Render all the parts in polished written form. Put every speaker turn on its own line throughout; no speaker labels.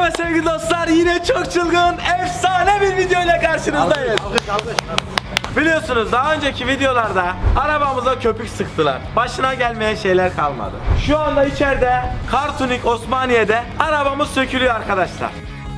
Evet sevgili dostlar, yine çok çılgın, efsane bir video ile karşınızdayız. Biliyorsunuz daha önceki videolarda arabamıza köpük sıktılar. Başına gelmeyen şeyler kalmadı. Şu anda içeride Kartunik Osmaniye'de arabamız sökülüyor arkadaşlar.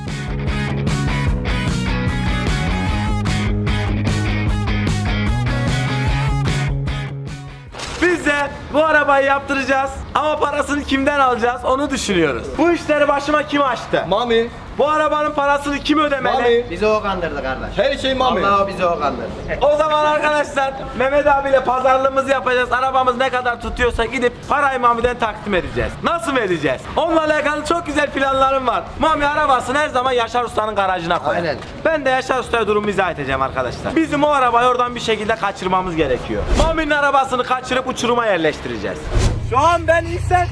Biz de bu arabayı yaptıracağız ama parasını kimden alacağız onu düşünüyoruz. Bu işleri başıma kim açtı?
Mami.
Bu arabanın parasını kim ödemeli?
Mami.
Bizi o kandırdı kardeş.
Her şey Mami.
Allah bizi o kandırdı.
O zaman arkadaşlar Mehmet abiyle pazarlığımızı yapacağız. Arabamız ne kadar tutuyorsa gidip parayı Mami'den takdim edeceğiz. Nasıl vereceğiz? Onunla alakalı çok güzel planlarım var. Mami arabasını her zaman Yaşar Usta'nın garajına koyar.
Aynen.
Ben de Yaşar Usta'ya durumu izah edeceğim arkadaşlar. Bizim o arabayı oradan bir şekilde kaçırmamız gerekiyor. Mami'nin arabasını kaçırıp uçuruma yerleştireceğiz. Şu an ben İhsan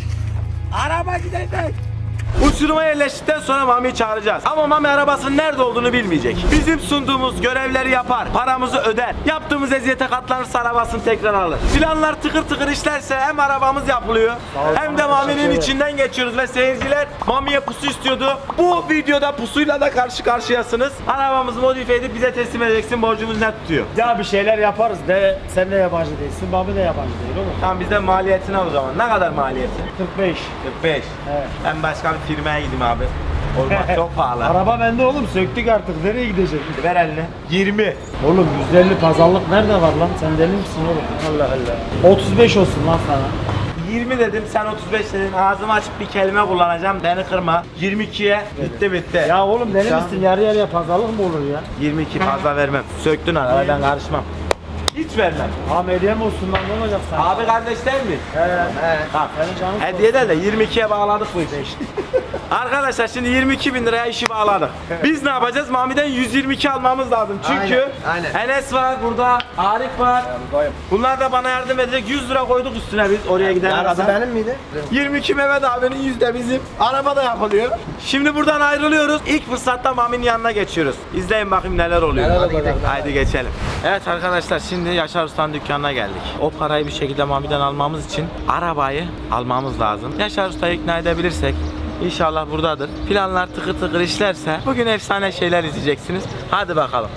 araba gidecek. Uçuruma yerleştikten sonra Mami'yi çağıracağız. Ama Mami arabasının nerede olduğunu bilmeyecek. Bizim sunduğumuz görevleri yapar, paramızı öder. Yaptığımız eziyete katlanırsa arabasını tekrar alır. Planlar tıkır tıkır işlerse hem arabamız yapılıyor hem de Mami'nin içinden geçiyoruz ve seyirciler Mami'ye pusu istiyordu. Bu videoda pusuyla da karşı karşıyasınız. Arabamızı modifiye edip bize teslim edeceksin. Borcumuz ne tutuyor?
Ya bir şeyler yaparız de sen de yabancı değilsin, Mami de yabancı değil oğlum.
Tamam bizden maliyetini al o zaman. Ne kadar maliyeti?
45.
45.
Evet.
Ben başka bir firmaya gideyim abi. Olmaz çok pahalı.
Araba bende oğlum, söktük artık, nereye gidecek?
Ver elini. 20.
Oğlum %50 pazarlık nerede var lan? Sen deli misin oğlum? Allah Allah. 35 olsun lan sana.
20 dedim, sen 35 dedin. Ağzımı açıp bir kelime kullanacağım, beni kırma. 22'ye bitti.
Ya oğlum deli misin? Yarı yarıya pazarlık mı olur ya?
22 fazla vermem. Söktün arabayı, ben karışmam. Hiç vermem.
Tamam hediye mi olsun lan, ne olacak sana?
Abi kardeş değil mi? Tamam.
Senin canın
Hediye de 22'ye bağladık bu işi. Arkadaşlar şimdi 22.000 liraya işi bağladık. Biz ne yapacağız? Mami'den 122 almamız lazım. Çünkü
Aynen.
Enes var burada, Arif var. Bunlar da bana yardım edecek. 100 lira koyduk üstüne biz oraya gidene
Yarısı
kadar.
benim miydi?
22 Mehmet abinin yüzde bizim. Araba da yapılıyor. Şimdi buradan ayrılıyoruz. İlk fırsatta Mami'nin yanına geçiyoruz. İzleyin bakayım neler oluyor.
Hadi gidelim.
Haydi geçelim. Evet arkadaşlar şimdi Yaşar Usta'nın dükkanına geldik. O parayı bir şekilde Mami'den almamız için arabayı almamız lazım. Yaşar Usta'yı ikna edebilirsek İnşallah buradadır. Planlar tıkır tıkır işlerse bugün efsane şeyler izleyeceksiniz. Hadi bakalım.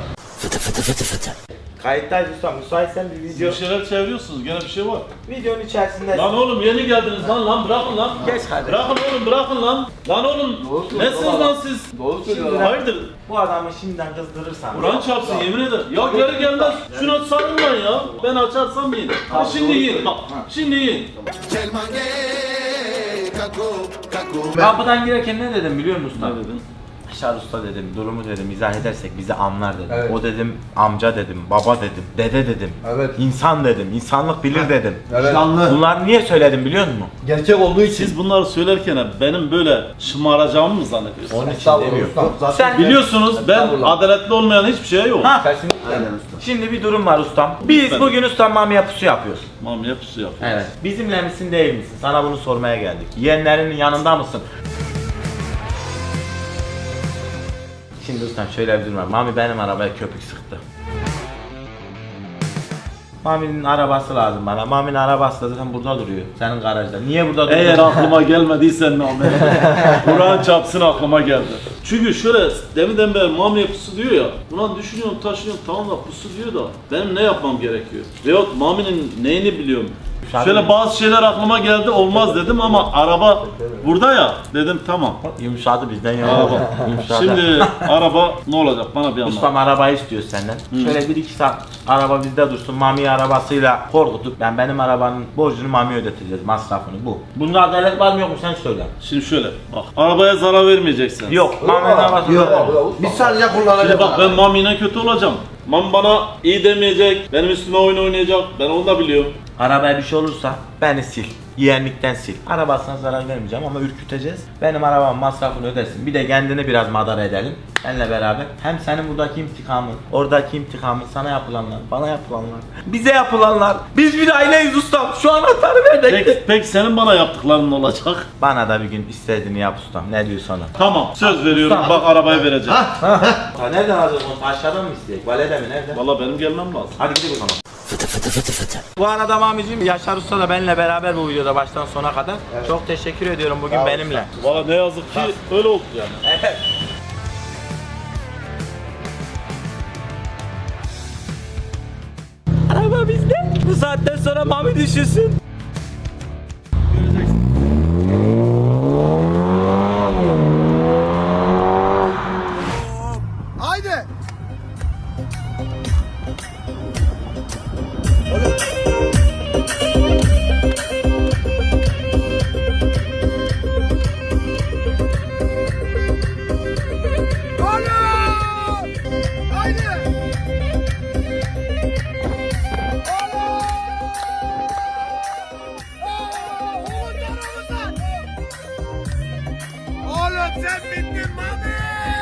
Kayıttayız usta. Müsaitsen bir video.
Bir şeyler çeviriyorsunuz, gene bir şey var.
Videonun içerisinde.
Lan oğlum yeni geldiniz lan bırakın lan.
Geç hadi.
Bırakın oğlum bırakın lan. Lan oğlum nesiniz lan siz?
Doğru
söylüyor.
Hayırdır?
Bu adamı şimdiden kızdırırsan.
Kur'an çarpsın yemin ederim. Ya geri gelmez. Şuna sarılmayın ya. Ben açarsam yiyin. Ha, şimdi yiyin. Bak şimdi yiyin.
Kapıdan girerken ne dedim biliyor musun usta?
Ne dedin?
Yaşar Usta dedim, durumu dedim, izah edersek bizi anlar dedim.
Evet.
O dedim, amca dedim, baba dedim, dede dedim.
Evet.
İnsan dedim, insanlık bilir dedim.
Evet.
Bunları niye söyledim biliyor musun?
Gerçek olduğu için.
Siz bunları söylerken benim böyle şımaracağımı mı zannediyorsunuz?
Onun için
Estağfurullah
demiyorum.
ustam, zaten-
Sen
Biliyorsunuz ben
Estağfurullah.
adaletli olmayan hiçbir şey yok.
Ha,
Kesinlikle.
şimdi bir durum var ustam. Biz
Lütfen.
bugün ustam Mami'ye pusu yapıyoruz.
Mamiye pusu yapıyor.
Evet. Bizimle misin değil misin? Sana bunu sormaya geldik. Yeğenlerinin yanında mısın? Şimdi ustam şöyle bir durum var. Mami benim arabaya köpük sıktı. Mami'nin arabası lazım bana. Mami'nin arabası da zaten burada duruyor. Senin garajda. Niye burada duruyor?
Eğer aklıma gelmediysen Mami, Kur'an çarpsın aklıma geldi. Çünkü şöyle deminden beri Mami'ye pusu diyor ya, ulan düşünüyorum taşınıyorum tamam da pusu diyor da benim ne yapmam gerekiyor? Veyahut Mami'nin neyini biliyorum? Şöyle bazı şeyler aklıma geldi olmaz dedim ama araba burada ya dedim tamam.
Yumuşadı bizden ya.
Araba.
Yumuşadı.
Şimdi araba ne olacak bana bir anlat.
Ustam arabayı istiyor senden. Şöyle 1-2 saat araba bizde dursun. Mami arabasıyla korkutup benim arabanın borcunu Mami'ye ödeteceğiz, masrafını bu. Bunda adalet var mı yok mu sen söyle.
Şimdi şöyle bak arabaya zarar vermeyeceksin.
Yok. Mami'nin arabası
Yok. Biz sadece kullanacağız.
Şimdi bak ben Mami'yle kötü olacağım. Mami bana iyi demeyecek, benim üstüme oyun oynayacak. Ben onu da biliyorum.
Arabaya bir şey olursa beni sil. Yeğenlikten sil. Arabasına zarar vermeyeceğim ama ürküteceğiz. Benim arabamın masrafını ödesin. Bir de kendini biraz madara edelim. Benle beraber. Hem senin buradaki intikamın, oradaki intikamın, sana yapılanlar, bana yapılanlar, bize yapılanlar. Biz bir aileyiz ustam. Şu anahtarı ver de.
Peki senin bana yaptıkların ne olacak?
Bana da bir gün istediğini yap ustam. Ne diyor sana?
Tamam söz veriyorum bak arabayı vereceğim.
Nereden alacağız onu? Aşağıdan mı isteyecek? Valede mi? Nerede?
Valla benim gelmem lazım.
Hadi gidelim o zaman. Bu arada Mami'cim, Yaşar Usta da benimle beraber bu videoda baştan sona kadar. Çok teşekkür ediyorum bugün benimle.
Valla ne yazık ki öyle oldu yani.
Evet. Araba bizde. Bu saatten sonra Mami düşünsün.
Haydi. Oğlum sen bittin Mami!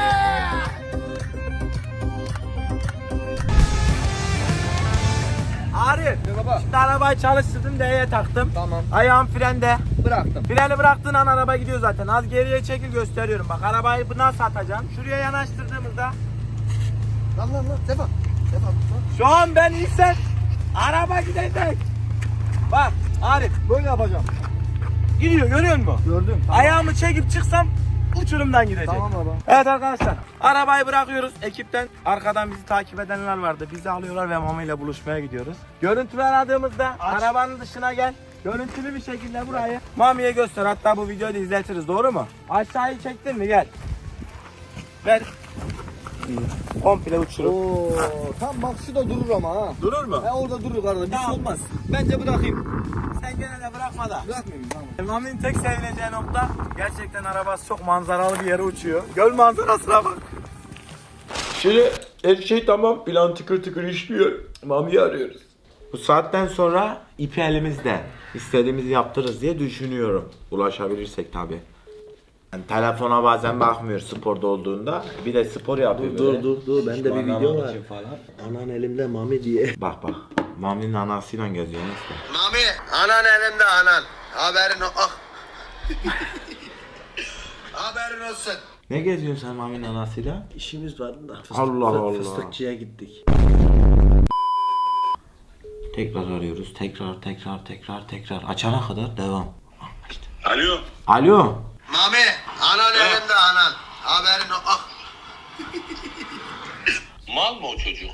Arif, şimdi arabayı çalıştırdım, D'ye taktım.
Tamam.
Ayağım frende.
Bıraktım.
Freni bıraktığın an araba gidiyor zaten. Az geriye çekil, gösteriyorum. Bak arabayı nasıl atacağım. Şuraya yanaştırdığımızda.
Lan Sefa. Sefa.
Şu an ben insan araba gidecek. Bak Arif,
Böyle yapacağım.
gidiyor, görüyor musun?
Gördüm. Tamam.
Ayağımı çekip çıksam uçurumdan gidecek.
Tamam baba.
Evet arkadaşlar, arabayı bırakıyoruz. Ekipten arkadan bizi takip edenler vardı. Bizi alıyorlar ve Mami ile buluşmaya gidiyoruz. Görüntülü aradığımızda arabanın dışına gel. Görüntülü bir şekilde burayı Mami'ye göster. Hatta bu videoyu da izletiriz, doğru mu? Aşağıyı çektin mi? Gel. Ver. Komple uçurum.
Oo, tam bak şurada durur ama ha.
Durur mu?
Orada durur kardeşim. Bir şey
Tamam.
olmaz. Bence bırakayım.
Sen gene de bırakma da.
Bırakmayayım tamam.
Mami'nin tek sevineceği nokta, gerçekten arabası çok manzaralı bir yere uçuyor. Göl manzarasına bak. Şimdi her şey tamam, plan tıkır tıkır işliyor. Mami'yi arıyoruz. Bu saatten sonra ipi elimizde. İstediğimizi yaptırırız diye düşünüyorum. Ulaşabilirsek tabi. Yani telefona bazen bakmıyor sporda olduğunda. Bir de spor yapıyor böyle.
Dur bende bir video var.
Falan.
Anan elimde mami diye.
Bak. Mami'nin anasıyla geziyor neyse.
Mami, anan elimde anan. Haberin ah. Haberin olsun.
Ne geziyorsun sen Mami'nin anasıyla?
İşimiz vardı da.
Allah Allah.
Fıstıkçıya gittik.
Tekrar arıyoruz. Tekrar. Açana kadar devam. İşte.
Alo.
Alo.
Mami, anan elimde anan. Haberin ah.
Mal mı o çocuk?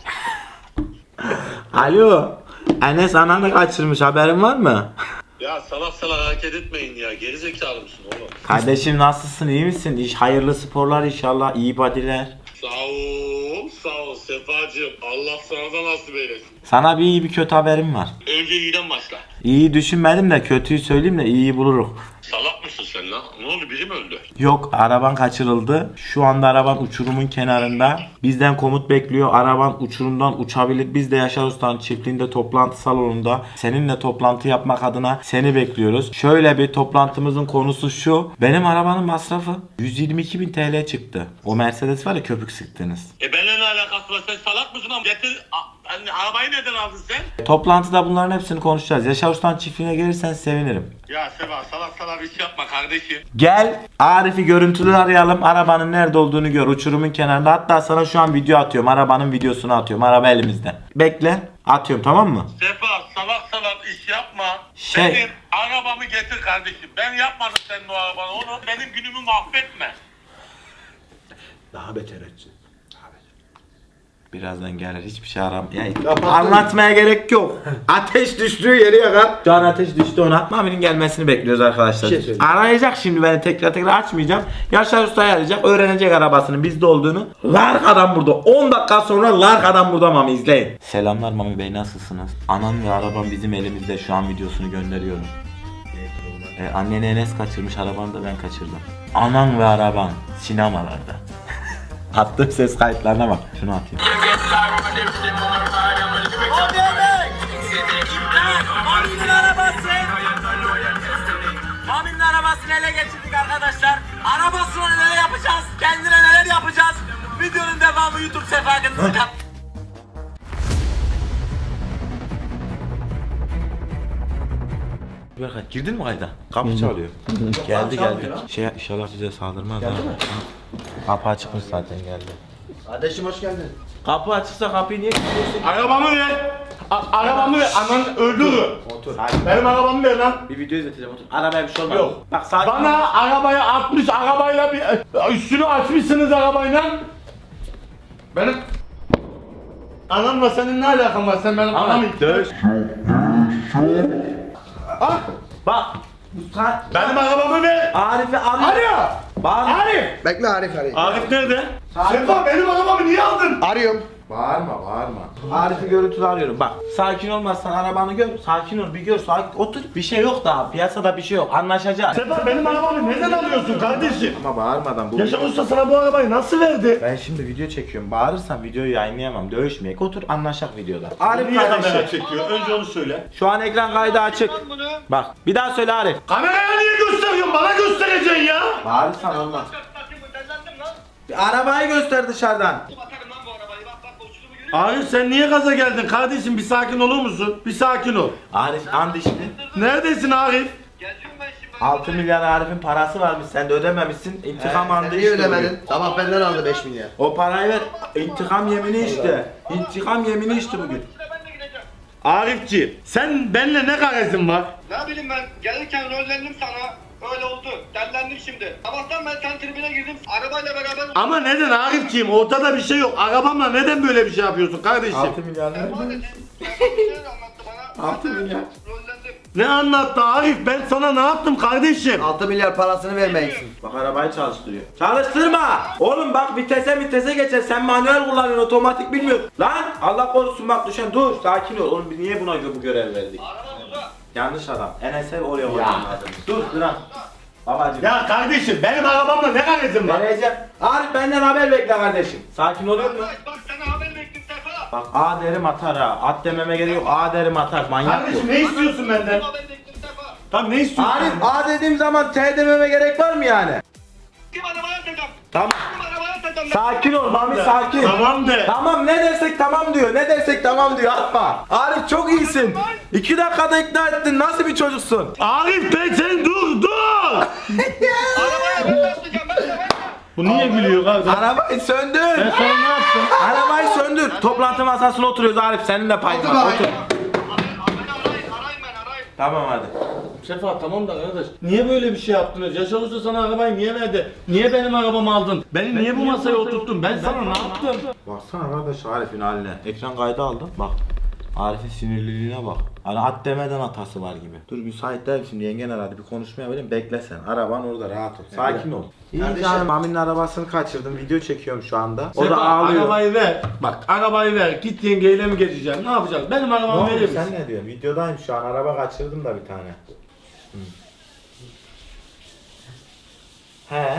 Alo. Enes ananı kaçırmış, haberin var mı?
Ya salak hareket etmeyin ya. Gerizekalı mısın oğlum?
Kardeşim nasılsın, iyi misin? Hayırlı sporlar inşallah, iyi body'ler.
Sağ ol Sefacığım. Allah sana da nasip eylesin.
Sana bir iyi bir kötü haberim var.
Önce iyiden başla.
İyi düşünmedim de kötüyü söyleyeyim de iyiyi buluruz.
Salak mısın sen lan? Ne oldu, biri mi öldü?
Yok, araban kaçırıldı. Şu anda araban uçurumun kenarında. Bizden komut bekliyor. Araban uçurumdan uçabilir. Biz de Yaşar Usta'nın çiftliğinde toplantı salonunda seninle toplantı yapmak adına seni bekliyoruz. Şöyle bir toplantımızın konusu şu. Benim arabanın masrafı 122.000 TL çıktı. O Mercedes var ya, köpük sıktınız.
Benimle ne alakası var? Sen salak mısın ama? Getir. Arabayı neden aldın sen?
Toplantıda bunların hepsini konuşacağız. Yaşar Usta'nın çiftliğine gelirsen sevinirim.
Ya Seva salak iş yapma kardeşim.
Gel Arif'i görüntülü arayalım. Arabanın nerede olduğunu gör. Uçurumun kenarında. Hatta sana şu an video atıyorum. Arabanın videosunu atıyorum. Araba elimizde. Bekle. Atıyorum, tamam mı?
Sefa salak iş yapma.
Şey-
Benim arabamı getir kardeşim. Ben yapmadım senin o arabanı. Onu benim günümü mahvetme.
Daha beter etsin.
Birazdan gelir, hiçbir şey aram. Yani anlatmaya gerek yok. Ateş düştüğü yeri yakar. Şu an ateş düştü, ona. Mami'nin gelmesini bekliyoruz arkadaşlar.
Bir şey söyleyeyim.
Arayacak şimdi beni, tekrar açmayacağım. Yaşar Usta'yı arayacak, öğrenecek arabasının bizde olduğunu. Larka'dan burada. 10 dakika sonra Larka'dan burada Mami, izleyin. Selamlar Mami Bey, nasılsınız? Anam ve arabam bizim elimizde, şu an videosunu gönderiyorum. Anneni Enes kaçırmış, arabanı da ben kaçırdım. Anan ve araban sinemalarda. Attığım ses kayıtlarına bak. Şunu atayım. Mami'nin arabası. Mami'nin arabasını ele geçirdik arkadaşlar. Arabasını neler yapacağız? Kendine neler yapacağız? Videonun devamı YouTube Sefa'nın. Berkay, girdin mi kayda? Kapı çalıyor. Geldi. Şey, inşallah bize saldırmaz. Geldi mi? Kapı açıkmış zaten, geldi.
Kardeşim hoş geldin.
Kapı açıksa kapıyı niye kilitliyorsun?
Arabamı ver.
Arabamı ver. Ananı öldürürüm.
Otur.
Benim arabamı ver lan.
Bir video izleteceğim otur. Arabaya bir şey olmaz.
Yok.
Bak sakin.
Bana arabaya atmış, arabayla bir üstünü açmışsınız arabayla. Benim anamla senin ne alakan var? Sen benim anamı
Dövüş.
Ah,
Bak. Bu saat.
benim arabamı ver.
Arif'i arıyor.
Arıyor.
Bağırma.
Arif.
Bekle Arif arayayım.
Arif nerede? Sefa benim arabamı niye aldın?
Arıyorum.
Bağırma. Arif'i görüntülü arıyorum. Bak sakin olmazsan arabanı gör. Sakin ol bir gör. Sakin otur. Bir şey yok daha. Piyasada bir şey yok. Anlaşacağız.
Sefa benim arabamı neden alıyorsun kardeşim?
Ama bağırmadan bu.
Yaşar Usta sana bu arabayı nasıl verdi?
Ben şimdi video çekiyorum. Bağırırsam videoyu yayınlayamam. Dövüşmeyek. Otur anlaşak videoda. Arif
Niye kamera
kardeşim.
çekiyor? Önce onu söyle.
Şu an ekran kaydı açık. Bak bir daha söyle Arif.
Kameraya niye gösteriyorsun? Bana göstereceksin ya.
Bağırırsan olmaz. Bir arabayı göster dışarıdan.
Arif sen niye gaza geldin kardeşim? Bir sakin olur musun? Bir sakin ol.
Arif and içti.
Neredesin Arif?
6 milyar Arif'in parası varmış. Sen de ödememişsin. İntikam andı
Niye
işte
ödemedin?
bugün.
Sabah benden aldı 5 milyar.
O parayı ver. İntikam yemini işte. İntikam yemini işte bugün.
Arifciğim sen benimle ne garezin var?
Ne bileyim ben gelirken rollendim sana. Öyle oldu. Dellendim şimdi. Sabahtan ben sen tribüne girdim. Arabayla beraber...
Ama neden Arifciğim? Ortada bir şey yok. Arabamla neden böyle bir şey yapıyorsun kardeşim?
6 milyar ver.
Erman dedi. Erman bir şeyler anlattı bana.
6 milyar.
Rollendim.
Ne anlattı Arif? Ben sana ne yaptım kardeşim?
6 milyar parasını vermeyeceksin.
Bak arabayı çalıştırıyor. Çalıştırma! Oğlum bak vitese geçer. Sen manuel kullanıyorsun, otomatik bilmiyorsun. Lan Allah korusun bak düşen dur. Sakin ol. Oğlum biz niye buna bu görev verdik?
Araba burada.
Yanlış adam. Enes'e oraya koymam lazım. Dur lan. Babacım.
Ya kardeşim benim arabamla ne garezin var?
Vereceğim. Arif benden haber bekle kardeşim. Sakin oluyor mu?
Bak sana haber bekledim Sefa.
Bak A derim atar ha. At dememe gerek yok. A derim atar. Manyak bu.
Kardeşim ne istiyorsun benden?
Haber bekledim Sefa.
Tamam ne istiyorsun?
Arif A dediğim zaman T dememe gerek var mı yani?
Kim arabaya atacağım?
Tamam.
Kim arabaya atacağım?
Sakin ol Mami sakin.
Tamam de.
Tamam ne dersek tamam diyor. Ne dersek tamam diyor. Atma. Arif çok iyisin. 2 dakikada ikna ettin. Nasıl bir çocuksun?
Arif ben sen dur.
Arabaya ben de atacağım. Ben de.
Bu niye gülüyor kardeşim?
Arabayı söndür.
Ben sana ne yaptım?
Arabayı söndür. Toplantı masasına oturuyoruz Arif. Senin de payın var. Otur.
Beni arayın ben arayın.
Tamam hadi.
Sefa tamam da arkadaş niye böyle bir şey yaptınız? Yaşar Usta sana arabayı niye verdi? Niye benim arabamı aldın? Beni niye bu masaya oturttun? Ben sana ne yaptım?
Baksana kardeş Arif'in haline. Ekran kaydı aldım. Bak. Arif'in sinirliliğine bak. Hani at demeden hatası var gibi. Dur müsait değil şimdi yengen aradı bir konuşmaya vereyim bekle sen. Araban orada rahat ol. Sakin ol. İyi canım Mami'nin arabasını kaçırdım. Video çekiyorum şu anda. O
Sefa
da ağlıyor.
arabayı ver. Bak arabayı ver. Git yengeyle mi geçeceğim? Ne yapacağız? Benim
Ne
arabamı
oldu
verir misin?
sen ne diyorsun? Videodayım şu an araba kaçırdım da bir tane. He.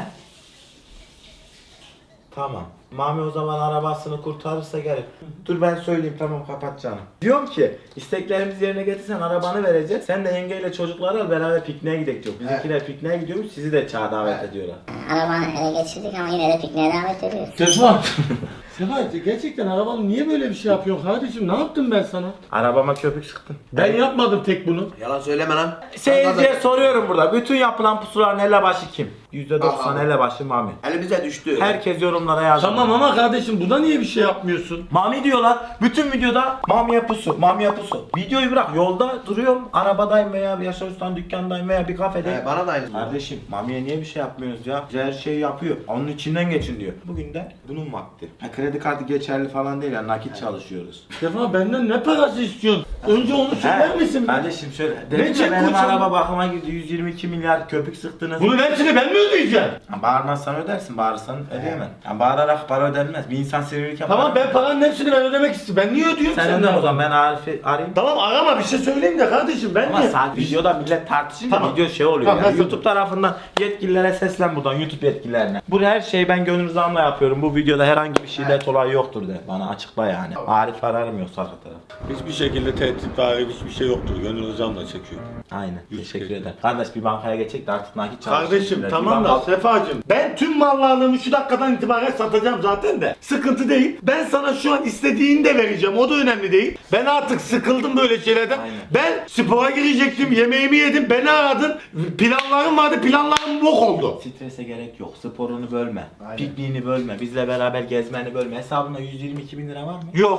Tamam. Mami o zaman arabasını kurtarırsa gelir. Dur ben söyleyeyim tamam kapat canım. Diyorum ki isteklerimizi yerine getirsen arabanı vereceğiz. Sen de yengeyle çocukları al beraber pikniğe gidelim diyor. Bizimkiler pikniğe gidiyormuş sizi de çağ davet ediyorlar.
Arabanı ele geçirdik ama yine de pikniğe davet ediyoruz.
Sefa. Sefa gerçekten arabamı niye böyle bir şey yapıyorsun kardeşim? Ne yaptım ben sana?
Arabama köpük sıktın.
Ben yapmadım tek bunu.
Yalan söyleme lan.
Seyirciye soruyorum burada. Bütün yapılan pusuların elebaşı kim? %90 elebaşı Mami.
Elimize düştü.
Herkes yorumlara yazdı.
Tamam ama kardeşim buna niye bir şey yapmıyorsun?
Mami diyorlar. Bütün videoda Mami'ye pusu, Mami'ye pusu. Videoyu bırak. Yolda duruyorum. Arabadayım veya bir Yaşar Usta'nın dükkandayım veya bir kafedeyim.
Bana da aynı.
Kardeşim Mami'ye niye bir şey yapmıyorsunuz ya? Bize her şeyi yapıyor. Onun içinden geçin diyor. Bugün de bunun vakti. Kredi kartı geçerli falan değil ya. Nakit çalışıyoruz.
Sefa benden ne parası istiyorsun? Önce onu söyler misin?
Kardeşim şöyle. Dedim
çek
ya benim
koçum?
araba bakıma girdi. 122 milyar köpük sıktınız.
Bunun hepsini ben mi ödeyeceğim?
Ha, bağırmazsan ödersin. Bağırırsan ödeyemem. Yani bağırarak para ödenmez. Bir insan sinirlik yapar.
Tamam ben paranın hepsini ben ödemek istiyorum. Ben niye ödüyorum
Sen
senden?
önden o zaman ben Arif'i arayayım.
Tamam arama bir şey söyleyeyim de kardeşim ben
Ama
niye?
saat videoda millet tartışınca
Tamam.
video şey oluyor
Tamam,
yani.
nasıl?
YouTube tarafından yetkililere seslen buradan YouTube yetkililerine. Bu her şeyi ben gönül rızamla yapıyorum. Bu videoda herhangi bir şiddet olayı yoktur de. Bana açıkla yani. Arif ararım yoksa arka taraf.
Hiçbir şekilde tehdit var, hiçbir şey yoktur. Gönül rızamla çekiyor.
Aynen. Teşekkür ederim. Kardeş bir bankaya geçecek de artık nakit çalışıyoruz.
Kardeşim
biraz.
tamam
Bir
da
banka-
Sefacığım ben tüm mal varlığımı şu dakikadan itibaren satacağım zaten de. Sıkıntı değil. Ben sana şu an istediğini de vereceğim. O da önemli değil. Ben artık sıkıldım böyle şeylerden.
Aynen.
Ben spora girecektim. Yemeğimi yedim. Beni aradın. Planlarım vardı. Planlarım bok oldu.
Strese gerek yok. Sporunu bölme. Pikniğini bölme. Bizle beraber gezmeni bölme. Hesabında 122 bin lira var mı?
Yok.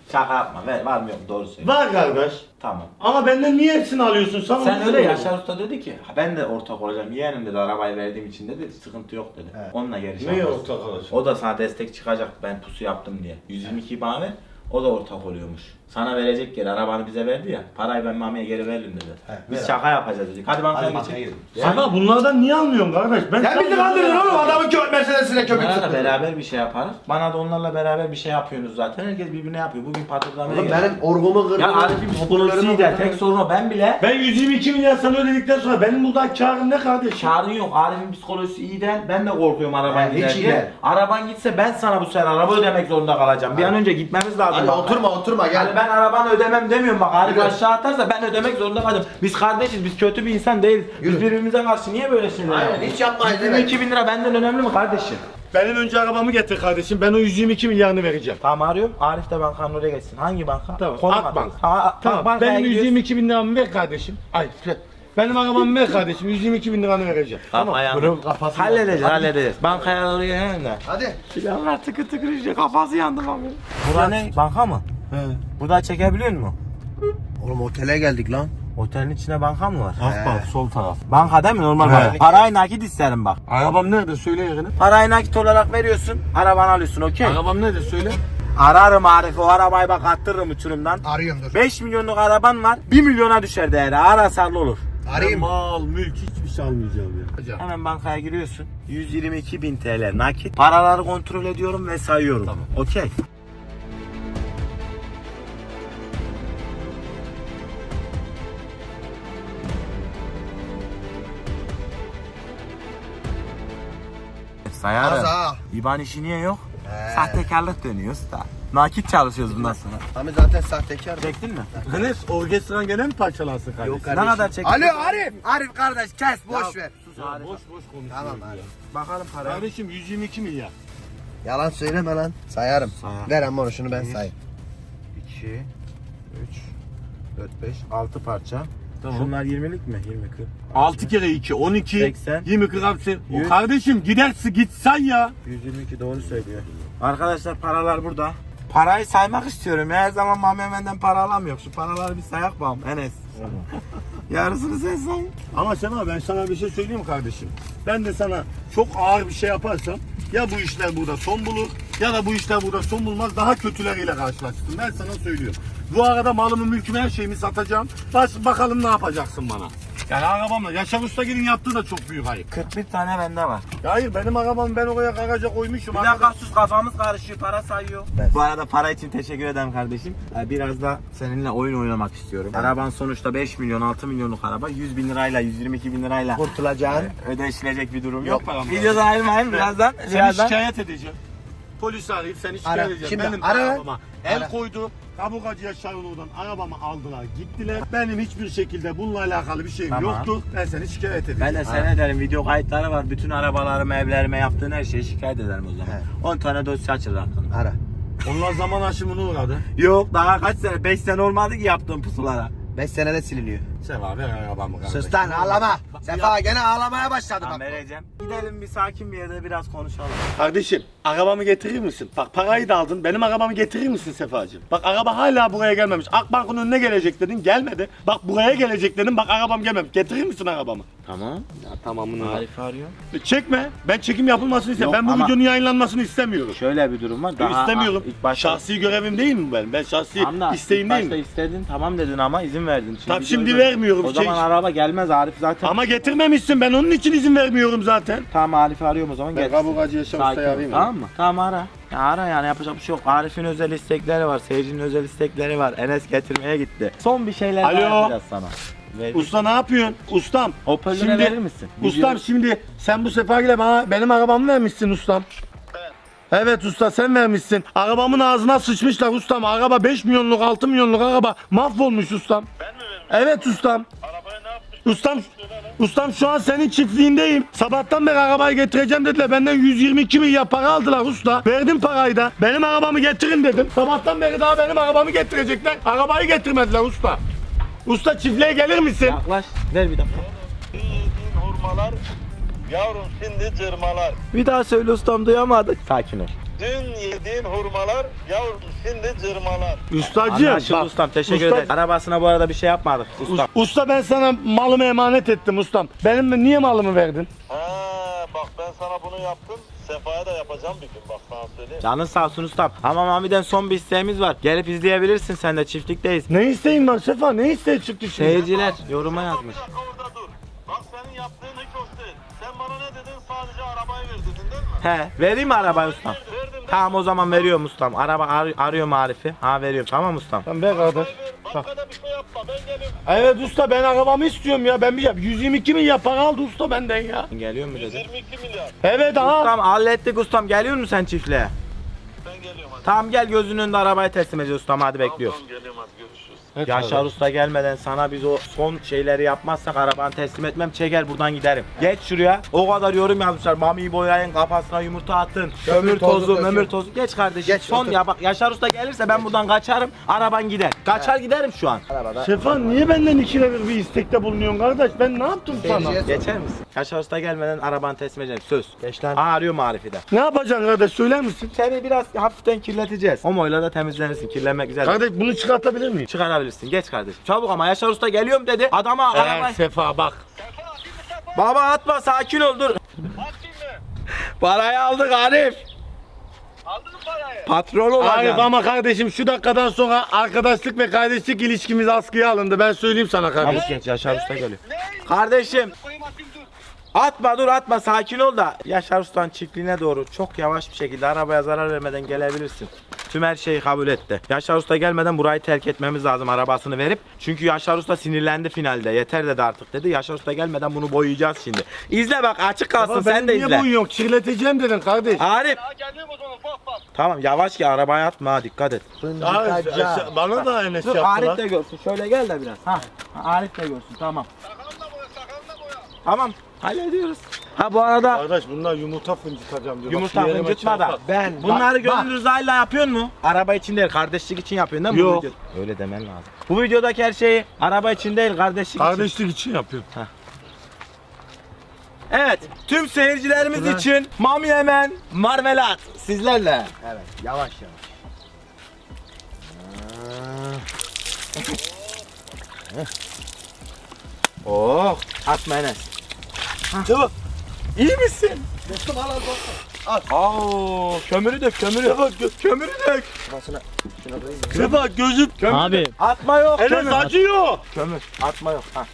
Şaka yapma. Var mı yok doğru söyle.
Var kardeş.
Tamam.
Ama benden niye hepsini alıyorsun? Sana
Sen
onu
öyle
soruyorum.
Yaşar Usta dedi ki ben de ortak olacağım. Yeğenim dedi arabayı verdiğim için dedi sıkıntı yok dedi. Onunla geri
Neye
şarkı.
ortak olacak?
O da sana destek çıkacak ben pusu yaptım diye. 122 bana ver. O da ortak oluyormuş. Sana verecek geri arabanı bize verdi ya. Parayı ben Mami'ye geri veririm dedi. Biz şaka yapacağız dedik. Hadi bankaya geçelim.
Sana bunlardan niye almıyorsun kardeş?
Sen bizi kandırdın oğlum adamın köpek meselesine köpek
Onlarla
tuttun.
beraber bir şey yaparız. Bana da onlarla beraber bir şey yapıyorsunuz zaten. Herkes birbirine yapıyor. Bugün patırlamaya
Oğlum
geldi.
benim orgumu kırdın.
Ya Arif'in psikolojisi de tek sorun o. Ben bile
Ben 122 milyar sana ödedikten sonra benim burada karım ne kardeşim?
çağrın yok. Arif'in psikolojisi iyi değil. Ben de korkuyorum araban
Hiç
gider
iyi
diye.
değil.
Araban gitse ben sana bu sefer araba ödemek zorunda kalacağım. Bir an önce gitmemiz lazım.
Hadi
bak.
oturma gel.
Yani ben arabanı ödemem demiyorum bak. Arif
Yürü.
aşağı atarsa ben ödemek zorunda kalacağım. Biz kardeşiz. Biz kötü bir insan değiliz. Biz
Yürü.
birbirimize karşı niye böyle şeyler
Aynen,
yapıyoruz?
hiç yapmayız, evet.
22 bin lira benden önemli mi kardeşim?
Benim önce arabamı getir kardeşim. Ben o 122 milyarını vereceğim.
Tamam arıyorum. Arif de bankanın oraya geçsin. Hangi banka?
Tamam.
Konum
Akbank.
atın. Tamam. Bankaya
Benim
gidiyoruz.
122 bin liramı ver kardeşim. Ay benim arabamı ver kardeşim. 122 bin liranı vereceğim.
Tamam.
Bunun kafası
Halledeceğiz. Bankaya doğru gelelim de.
Hadi.
Silahlar tıkır tıkır işte kafası yandı bak. Bura ne? Banka mı?
He.
Burada çekebiliyor musun?
Oğlum otele geldik lan.
Otelin içine banka mı var?
Akbank sol taraf.
Banka değil mi? Normal banka. Parayı nakit isterim bak.
Arabam nerede? Söyle yerini.
Parayı nakit olarak veriyorsun. Arabanı alıyorsun okey?
Arabam nerede? Söyle.
Ararım Arif o arabayı bak attırırım uçurumdan.
Arıyorum dur.
5 milyonluk araban var. 1 milyona düşer değeri. Arasarlı olur.
Arayayım.
Mal, mülk hiçbir şey almayacağım ya.
Hemen bankaya giriyorsun. 122.000 TL nakit. Paraları kontrol ediyorum ve sayıyorum. Tamam. Okey. Sayarım.
Az ha.
İban işi niye yok? Sahtekarlık dönüyor usta. Nakit çalışıyoruz bundan sonra.
Abi zaten sahtekar.
Çektin mi?
Enes orkestran gene mi parçalansın kardeşim?
Yok
Ne kadar çektin?
Alo Arif. Arif kardeş kes boş ver.
Arif.
Boş boş konuş.
Tamam Arif.
Bakalım parayı.
Kardeşim 122 milyar.
Yalan söyleme lan. Sayarım.
Sayar.
Ver ama onu şunu ben sayayım.
2, 3, 4, 5, 6 parça.
Tamam.
Şunlar 20'lik mi? 20, 40.
6 kere 2 12
80.
20 40 hapsi.
Yüz.
Kardeşim gidersin git say ya.
122 doğru söylüyor. Arkadaşlar paralar burada. Parayı saymak istiyorum. Her zaman Mehmet'den para alamıyor. Şu paraları bir sayak bakalım Enes. Yarısını sen say.
Ama Sema ben sana bir şey söyleyeyim mi kardeşim? Ben de sana çok ağır bir şey yaparsam ya bu işler burada son bulur ya da bu işler burada son bulmaz daha kötüleriyle karşılaşırsın. Ben sana söylüyorum. Bu arada malımı mülkümü her şeyimi satacağım. Bakalım ne yapacaksın bana. Yani arabamla Yaşar Ustagil'in yaptığı da çok büyük ayıp.
41 tane bende var.
Ya hayır benim arabamı ben oraya garaja koymuşum.
Bir dakika sus kafamız karışıyor. Para sayıyor. Bu arada para için teşekkür ederim kardeşim. Biraz da seninle oyun oynamak istiyorum. Araban sonuçta 5 milyon 6 milyonluk araba. 100 bin lirayla 122 bin lirayla
Kurtulacaksın.
ödeşilecek bir durum
Yok
yok.
param var.
Videodan ayrılmayın birazdan.
Seni şikayet edeceğim. Polisi arayıp seni şikayet
Ara.
edeceğim.
Şimdi
Benim
ara.
arabama el
Ara.
koydu. Kabukacıya Şarlıoğlu'dan arabamı aldılar gittiler. Benim hiçbir şekilde bununla alakalı bir şeyim
Tamam.
yoktu. Ben seni şikayet edeceğim.
Ben de sen ederim. Video kayıtları var. Bütün arabalarıma, evlerime yaptığın her şeyi şikayet ederim o zaman.
He.
10 tane dosya açılır hakkında.
Ara.
Onlar zaman aşımına uğradı.
Yok daha kaç sene? 5 sene olmadı ki yaptığım pusulara.
5 senede siliniyor.
Seva ver arabamı kardeşim.
Sus lan ağlama. Sefa gene ağlamaya başladı
Tamam
bak.
vereceğim. Gidelim bir sakin bir yerde biraz konuşalım.
Kardeşim arabamı getirir misin? Bak parayı da aldın. Benim arabamı getirir misin Sefacığım? Bak araba hala buraya gelmemiş. Akbank'ın önüne gelecek dedin gelmedi. Bak buraya gelecek dedin bak arabam gelmemiş. Getirir misin arabamı?
Tamam.
Ya tamamını
Arif arıyor.
Çekme. Ben çekim yapılmasını istemiyorum.
Yok,
Ben bu
ama-
videonun yayınlanmasını istemiyorum.
Şöyle bir durum var.
İstemiyorum.
İlk başta...
Şahsi görevim değil mi ben? Ben şahsi
Tamam da
isteğim
ilk
değil
başta
mi?
istedin tamam dedin ama izin verdin.
Tamam,
video
şimdi
yok.
vermiyorum.
O zaman araba gelmez Arif zaten.
Ama getirmemişsin. Ben onun için izin vermiyorum zaten.
Tamam Arif'i arıyorum o zaman
Ben
gelsin.
Kabukacı Yaşar
Sakin
Usta'yı
ol,
arayayım.
tamam mı? Tamam ara. Ya ara yani yapacak bir şey yok. Arif'in özel istekleri var. Seyircinin özel istekleri var. Enes getirmeye gitti. Son bir şeyler
Alo.
daha yapacağız sana. Ver.
Usta ne yapıyorsun? Ustam.
Hoparlöre verir misin?
Ustam şimdi sen bu sefer bana benim arabamı vermişsin ustam. Evet usta sen vermişsin. Arabamın ağzına sıçmışlar ustam. Araba 5 milyonluk 6 milyonluk araba mahvolmuş ustam. Ben mi vermişim? Evet ustam. Arabayı ne yapmış? Ustam şu an senin çiftliğindeyim. Sabahtan beri arabayı getireceğim dediler. Benden 122 milyar para aldılar usta. Verdim parayı da. Benim arabamı getirin dedim. Sabahtan beri daha benim arabamı getirecekler. Arabayı getirmediler usta. Usta çiftliğe gelir misin?
Yaklaş. Ver bir dakika.
Hurmalar, yavrum şimdi cırmalar.
Bir daha söyle ustam duyamadık. Sakin ol.
Dün yediğin hurmalar yavrum şimdi cırmalar.
Ustacığım
Anlaşıldı
bak,
ustam, teşekkür
usta-
ederim. Arabasına bu arada bir şey yapmadık ustam.
Usta ben sana malımı emanet ettim ustam. Benim niye malımı verdin?
Bak ben sana bunu yaptım. Sefa'ya da yapacağım bir gün bak sana söyleyeyim.
Canın sağ olsun ustam. Ama Mami'den son bir isteğimiz var. Gelip izleyebilirsin, sen de çiftlikteyiz.
Ne isteğin var Sefa? Ne isteği çıktı şimdi?
Seyirciler yoruma yazmış.
Bir dakika orada dur. Bak senin yaptığın hiç hoş değil. Sen bana ne dedin? Sadece arabayı ver dedin değil mi?
He, vereyim mi arabayı ustam?
Verdim.
Tamam o zaman veriyorum ustam. Araba arıyorum Arif'i. Ha veriyorum, tamam ustam.
Tamam ver kardeş.
Arabayı ver. Başka da bir şey yapma. Ben geliyorum.
Evet usta ben arabamı istiyorum ya. Ben bir 122 milyar para aldı usta benden ya.
Geliyor mu dedi?
22 milyar.
Evet aha.
Ustam hallettik ustam. Geliyor musun sen çiftliğe?
Ben geliyorum hadi.
Tamam gel, gözünün önünde arabayı teslim edeceğiz ustam, hadi bekliyoruz.
Tamam geliyorum hadi görüşürüz.
Yaşar Usta gelmeden sana biz o son şeyleri yapmazsak arabanı teslim etmem, çeker buradan giderim. Geç şuraya. O kadar yorum yazmışlar. Mami'yi boyayın, kafasına yumurta atın. Kömür tozu, mömür tozu. Geç kardeşim. Son ya bak, Yaşar Usta gelirse ben buradan kaçarım. Araban gider. Kaçar giderim şu an.
Sefa niye benden ikide bir istekte bulunuyorsun kardeş? Ben ne yaptım sana?
Geçer misin? Yaşar Usta gelmeden arabanı teslim edeceğim. Söz. Geç lan. Arıyorum Arif'i de.
Ne yapacaksın kardeş söyler misin?
Seni biraz hafiften kirleteceğiz. Homoyla da temizlenirsin. Kirlenmek güzel.
Kardeş bunu çıkartabilir miyim?
Çıkarabilirsin. Geç kardeşim. Çabuk ama, Yaşar Usta geliyorum dedi. Adama arabayı...
Sefa bak.
Baba atma, sakin ol, dur.
Atayım mı?
Parayı aldık Arif.
Aldın mı parayı?
Patron
Arif
olacağım.
ama kardeşim şu dakikadan sonra arkadaşlık ve kardeşlik ilişkimiz askıya alındı. Ben söyleyeyim sana kardeş.
Çabuk geç, Yaşar Usta geliyor.
Ne?
Kardeşim
Koyayım atayım dur.
atma, dur atma, sakin ol da Yaşar Usta'nın çiftliğine doğru çok yavaş bir şekilde arabaya zarar vermeden gelebilirsin. Tüm her şeyi kabul etti. Yaşar Usta gelmeden burayı terk etmemiz lazım arabasını verip. Çünkü Yaşar Usta sinirlendi finalde. Yeter dedi artık dedi. Yaşar Usta gelmeden bunu boyayacağız şimdi. İzle bak, açık kalsın,
Baba,
sen de
benim
izle.
niye boyun yok? Kirleteceğim dedin kardeş.
Arif
Ha geliyorum o zaman bak bak.
tamam yavaş ki arabaya atma, ha, dikkat et.
Arif, bana da Enes
Dur
yaptı
Arif
lan.
de görsün, şöyle gel de biraz. Ha, Arif de görsün, tamam.
Sakalını da boya sakalını da boya.
Tamam, hallediyoruz. Ha bu arada
Kardeş bunlar yumurta fıncıtacağım diyor.
yumurta
Bak, şu yerime
fıncıtma da.
çarpar.
Bunları gönül rızayla yapıyorsun mu? Araba için değil, kardeşlik için yapıyorsun değil mi?
Yok.
Bu videoda? Öyle demen lazım. Bu videodaki her şeyi araba için değil, kardeşlik için.
Kardeşlik için yapıyorum.
Evet, tüm seyircilerimiz için Mami Hemen Marmelat sizlerle. Evet, yavaş yavaş. Oh, atma Enes. Çabuk. İyi misin?
Dostum al dostum.
Oo, kömürü dök, kömürü. Kömürü dök.
Sefa gözüm.
Abi
Atma yok.
Enes
kömür.
acıyor.
Kömür. Atma yok. Ha.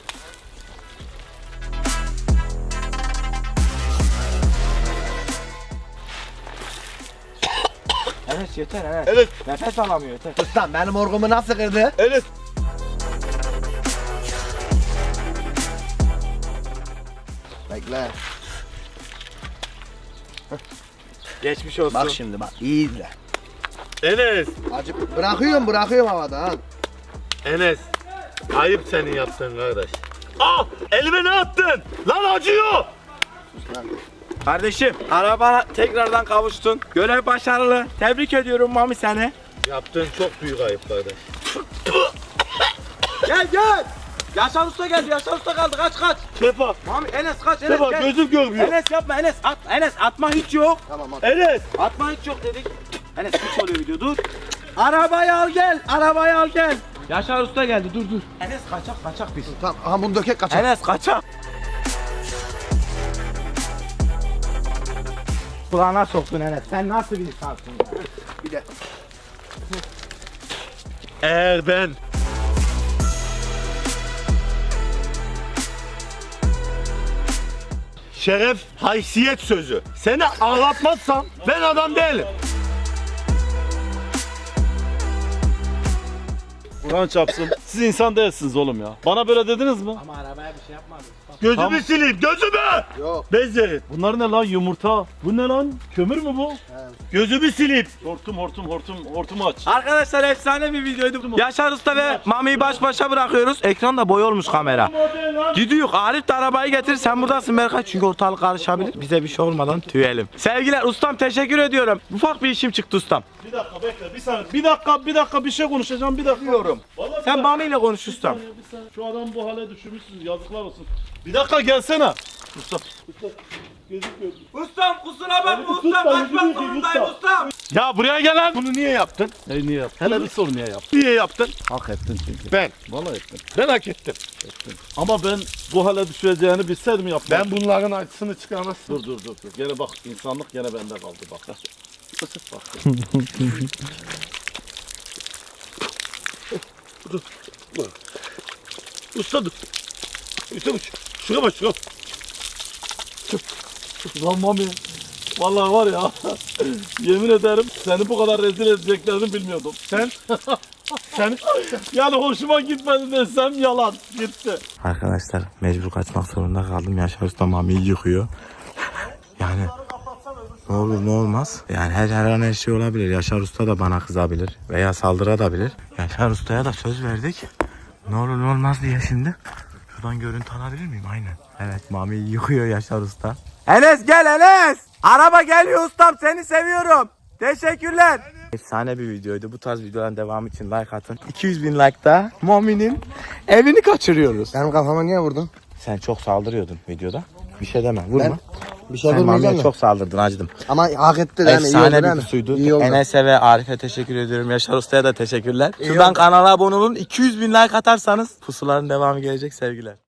Enes yeter Enes.
Evet.
Nefes alamıyor yeter.
Ustam benim orgumu nasıl kırdı?
Enes.
Bekle.
Geçmiş olsun.
Bak şimdi bak iyi izle.
Enes.
Acı bırakıyorum havada ha.
Enes. Ayıp senin yaptığın kardeş. Ah! Elime ne attın? Lan acıyor.
Kardeşim arabana tekrardan kavuştun. Görev başarılı. Tebrik ediyorum Mami seni.
Yaptığın çok büyük ayıp kardeş.
Gel gel. Yaşar Usta geldi. Yaşar Usta kaldı. Kaç kaç.
Sefa.
Mami Enes kaç. Enes
Sefa
gel.
gözüm görmüyor.
Enes yapma Enes. At, Enes atma hiç yok.
Enes.
Atma hiç yok dedik. Enes hiç oluyor video dur. Arabayı al gel. Arabayı al gel. Yaşar Usta geldi. Dur dur. Enes kaçak biz.
Tamam aha bunu dökek kaçar.
Enes kaçak. Kulağına soktun Enes. Sen nasıl bir insansın?
Bir de.
Eğer ben şeref, haysiyet sözü seni ağlatmazsam ben adam değilim.
Kur'an çapsın. Siz insan değilsiniz oğlum ya. Bana böyle dediniz mi?
Ama arabaya bir şey yapmadım.
Gözümü
Tamam.
sileyim, gözümü!
Yok.
Bezleyin.
Bunlar ne lan yumurta? Bu ne lan? Kömür mü bu?
Gözümü sileyim.
Hortumu aç.
Arkadaşlar efsane bir videoydu. Yaşar Usta ve Mami'yi baş başa bırakıyoruz. Ekranda boy olmuş kamera. Gidiyor. Arif de arabayı getir. Sen buradasın Berkay. Çünkü ortalık karışabilir. Bize bir şey olmadan tüyelim. Sevgiler ustam, teşekkür ediyorum. Ufak bir işim çıktı ustam.
Bir dakika bekle bir saniye. Bir dakika bir şey konuşacağım bir dakika. Vallahi bir
Sen
dakika.
Mami ile konuş ustam.
Bir saniye. Şu adamı bu hale düşürmüşsünüz yazıklar olsun. Bir dakika gelsene. Mustafa.
Ustam kusura bakma ustam. Kaçmak zorundayım ustam.
Ya buraya gel lan. Bunu niye yaptın?
Niye yaptın? Hele bir sor niye yaptın?
Niye yaptın?
Hak ettin çünkü.
Ben.
Vallahi ettin.
Ben hak ettim.
Ama ben bu hale düşeceğini bilseydim yapmam.
Ben bunların acısını çıkarmazsın.
Dur. Gene bak insanlık gene bende kaldı bak. Bak.
Usta dur. Usta şuna bak şuna.
Lan Mami. Vallahi var ya. Yemin ederim seni bu kadar rezil edeceklerini bilmiyordum.
Sen
Yani hoşuma gitmedi desem yalan. Gitti.
Arkadaşlar mecbur kaçmak zorunda kaldım. Yaşar Usta Mami'yi yıkıyor. Yani ne olur ne olmaz. Yani her an her şey olabilir. Yaşar Usta da bana kızabilir. Veya saldırabilir. Yaşar Usta'ya da söz verdik. Ne olur ne olmaz diye şimdi. Şuradan görüntü alabilir miyim? Aynen. Evet Mami'yi yıkıyor Yaşar Usta. Enes gel Enes. Araba geliyor ustam seni seviyorum. Teşekkürler. Efsane bir videoydu. Bu tarz videoların devamı için like atın. 200.000 like'da Mami'nin evini kaçırıyoruz.
Benim kafama niye vurdun?
Sen çok saldırıyordun videoda. Bir şey deme vurma.
Bir şey
Sen
vurmayacağım
Mami'ye
da.
çok saldırdın acıdım.
Ama hak etti yani.
Efsane bir pusuydu. Enes'e ve Arif'e teşekkür ediyorum. Yaşar Usta'ya da teşekkürler. Şuradan kanala abone olun. 200.000 like atarsanız pusuların devamı gelecek sevgiler.